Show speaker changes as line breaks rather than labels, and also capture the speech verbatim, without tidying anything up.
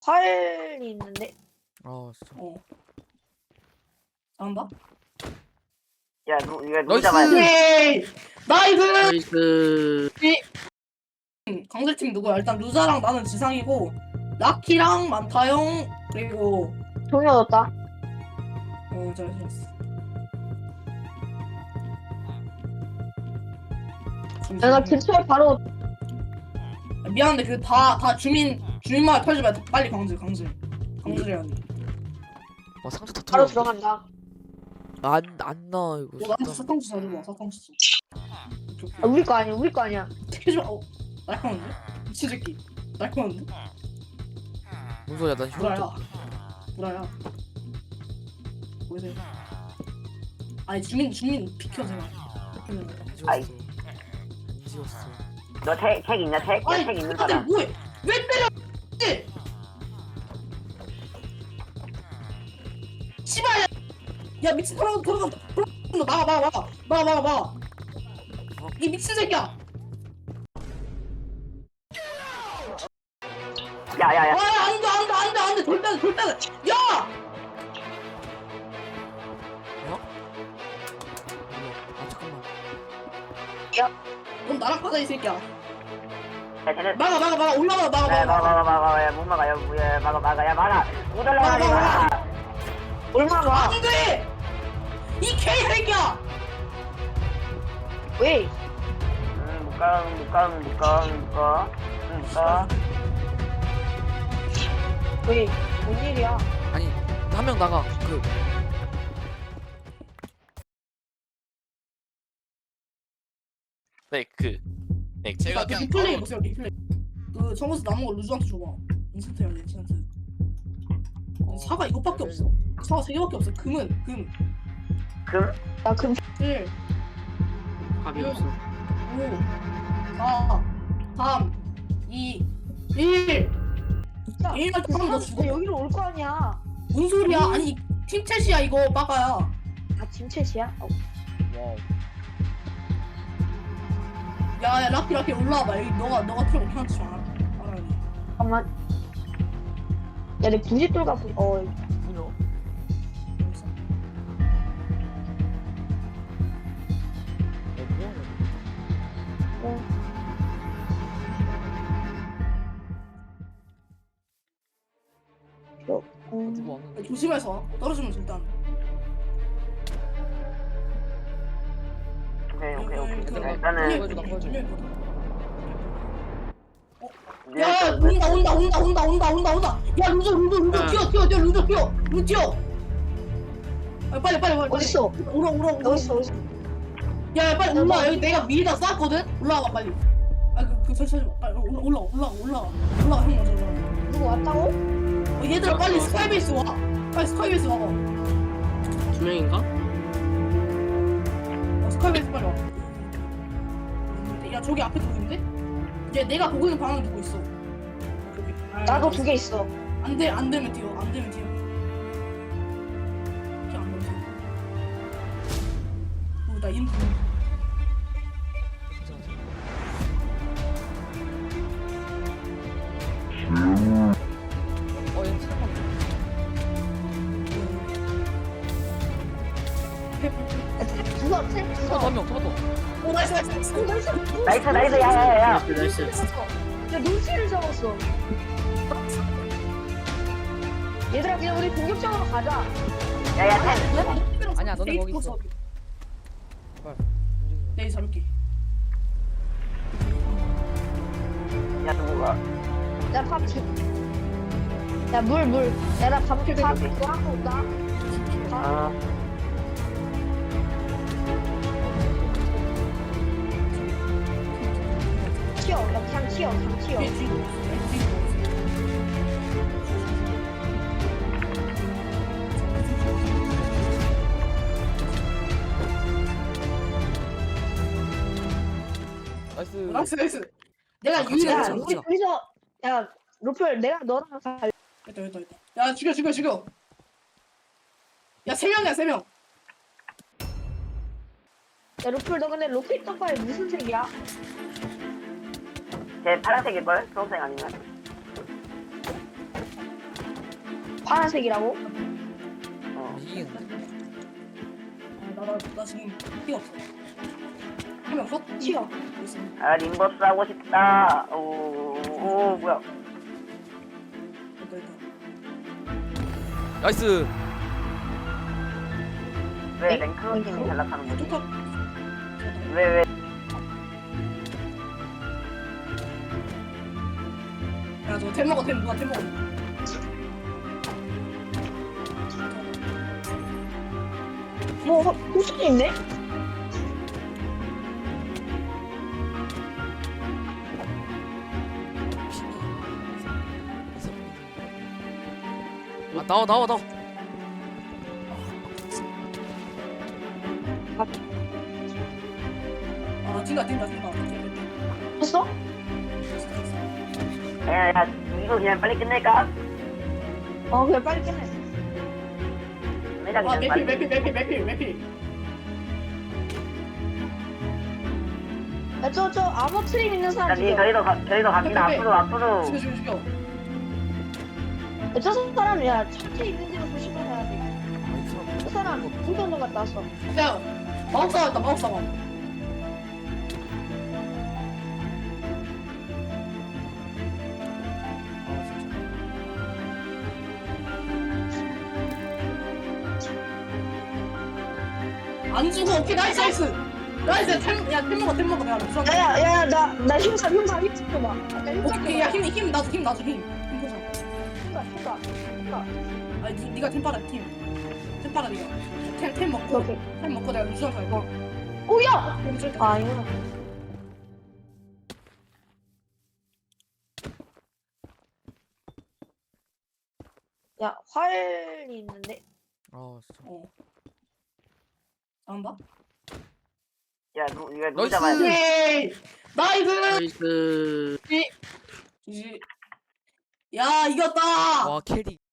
활이 있는데.
아 진짜.
어. 잘한다.
야, 누, 이거 누구
나이스!
잡아야 돼?
오케이. 나이스.
나이스.
음, 강제팀 누구야? 일단 루자랑 나는 지상이고 라키랑 만타형 그리고
종이 얻었다.
어 잘했어. 잘했어.
내가 근처에 바로
아, 미안한데 그 다 다 주민 주민마을 털지 말고 빨리 강제 강제 강제해야 돼.
와 상자 다
바로
털어.
들어간다.
안안 나 이거.
너 나한테
진짜.
사탕 주사 줘봐 사탕 주사.
아, 우리 거 아니야, 우리 거 아니야.
해줘. 어 날카로운데? 미친 새끼. 날카로운데?
뭔 소리야? 난
구라야.
혈압.
구라야. 보이세요? 아니 주민 주민 비켜 제발.
안
아이.
지웠어. 안 지웠어.
너 책, 책 있냐, 책?
아니
책 있는
다들
사람.
뭐해? 왜 때려? 씨발 야, 야 미친 돌아가 돌아가 돌아가 나가 나가 나가 나가 나가 나가 이 미친 새끼야.
야, 야, 야.
아 안돼 안돼 안돼 안돼 돌 빼야 돌 빼야 야!
아 잠깐만.
넌 나랑 가자 이 새끼야.
야, 쟤네.
막아 막아 막아 올라가 막아
야,
막아
막아, 막아, 막아. 야, 못 막아. 야, 뭐, 야, 막아, 막아. 야, 막아. 못 올라가지 마.
얼마나?
안돼 이 개이 새끼야.
왜?
응, 못 가, 못 가, 못 가, 못 가. 응, 못 가.
왜? 뭔 일이야?
아니 한 명 나가. 그
네, 그, 네, 제가 그냥
리플레이
바로
보세요 리플레이. 그 청구서 남은 거 루즈한테 줘봐. 인스턴트 해야 돼 인스턴트. 사과 이것밖에 없어. 사과 세 개밖에 없어. 금은 금.
금?
나 금.
일,
답이
음.
없어.
오, 사, 삼, 이, 일.
야,
일만
그
하면 너
사람
죽어.
여기로 올 거 아니야.
뭔 소리야? 아니 팀챗이야 이거 빠가야.
아, 짐챗이야? 어.
와우.
야야 락키 락키 올라와봐. 여기 너가 너가 필요 없는 한테 좀 알아. 알아야 돼.
잠깐만. 야, 내 부싯돌 갖고, 어,
뭐냐?
여기서.
어, 뭐야?
저,
아,
음.
누구 왔는데?
조심해서 와. 떨어지면 절대 안 돼.
오케이, 오케이, 오케이.
여기, 여기,
일단은.
여기, 여기, 여기, 여기.
네,
야 온다 온다 온다 온다 온다 온다 온다. 야 루저 루저 루저 튀어 튀어 튀어 루저 튀어 루저 튀어. 아, 빨리 빨리 빨리.
어딨어?
오라 오라 오라.
어딨어, 어딨어?
야, 야 빨리 올라와. 여기 내가 미리다 쌌거든. 올라와 빨리. 아그그 설치 마. 빨리 올라 올라 올라 올라 올라가 형 먼저 올라가.
누구 왔다고?
어, 얘들아 빨리 스카이베이스 와. 빨리 스카이베이스 와.
두 명인가?
어, 스카이베이스 빨리 와. 야 저기 앞에 누구 있는데? 얘 내가 보고 있는 방향에 누구 있어? 저기. 아,
나도 두 개 있어.
안돼 안 되면 뛰어. 안 되면 뛰어. 뛰어 안 되면 뛰어. 어나 이름 부르는
어, 얘 잠깐만.
야, 탭 주워, 탭 주워.
한 명, 토마토.
오 나이스 나이스 나이스.
어, 나이스.
나이스, 나이스, 야, 야, 야.
나이스 나이스.
야, 눈치를 잡았어. 얘들아, 그냥 우리 공격적으로 가자.
야, 야, 책.
아니야, 너네 거기 있어. 제발. 움직이지
내일 잡을게.
야, 누구가?
야, 밥 주. 야, 물, 물. 야, 나 밥, 밥,
오케이,
그거
오케이.
하고 온다.
어.
튀어. 야, 그냥 튀어, 그냥 튀어.
뒤에 뒤에 누워 있어. 뒤에 누워 있어.
나이스.
나이스 나이스. 내가
아, 같이
유일한
야,
가자.
참-
우리 둘이서, 야, 로플, 내가 너랑 갈.
됐다 됐다 됐다. 야 죽여 죽여 죽여. 야 세 명이야 세 명.
야, 로플, 너 근데 로켓 떡발 무슨 색이야?
쟤 파란색일걸? 초록색 아니면?
파란색이라고?
어.
이기겠는데?
나나 나 지금 피 없어. 한명 컷?
튀어.
있어.
아 림버스 하고 싶다. 오, 오 뭐야?
됐다 됐다.
나이스.
왜
네?
랭크 팀이 전락하는 거지?
똑같.
왜 왜?
야저 템 먹어 템 누가 템 먹어.
뭐 호수도 있네?
아 나와 나와 나와.
아 뛴다 뛴다 뛴다.
했어?
야야 이거 그냥 빨리 끝낼까?
어 그래 빨리 끝내.
매장
아
그냥
매필
빨리.
매필 매필 매필 매필.
야저저 암호 트림 있는 사람
저기
죽여.
저희도 가, 저희도 갑니다.
빼빼.
앞으로 앞으로.
죽여 죽여 죽여.
야, 저 사람 야 천재 있는 데로 조심해야 돼.
아, 이 사람.
저 사람 운동장 갔다 왔어.
야 마법사 왔다 마법사 와.
아 진짜.
안 죽어. 오케이 나이스 나이스. 나이스 템야템 먹어 템 먹어 내가 루상.
야야야 나 나 힘사 힘사 힘사 봐. 아까 힘사
오케이 야힘 힘 나도 힘 나도 힘. 힘 보자.
힘사 힘사 힘사.
아니 니, 니가 템 빨아 팀. 템 빨아 니가. 템 템 먹고
오케이.
템 먹고 내가 루상 갈거.
오야.
템
아 이거. 야 활이 있는데.
아 진짜.
어. 잘한다.
야 누, 이거 누구
나이스.
잡아야 돼?
오케이 나이스.
나이스.
지지. 야 이겼다.
와 캐리.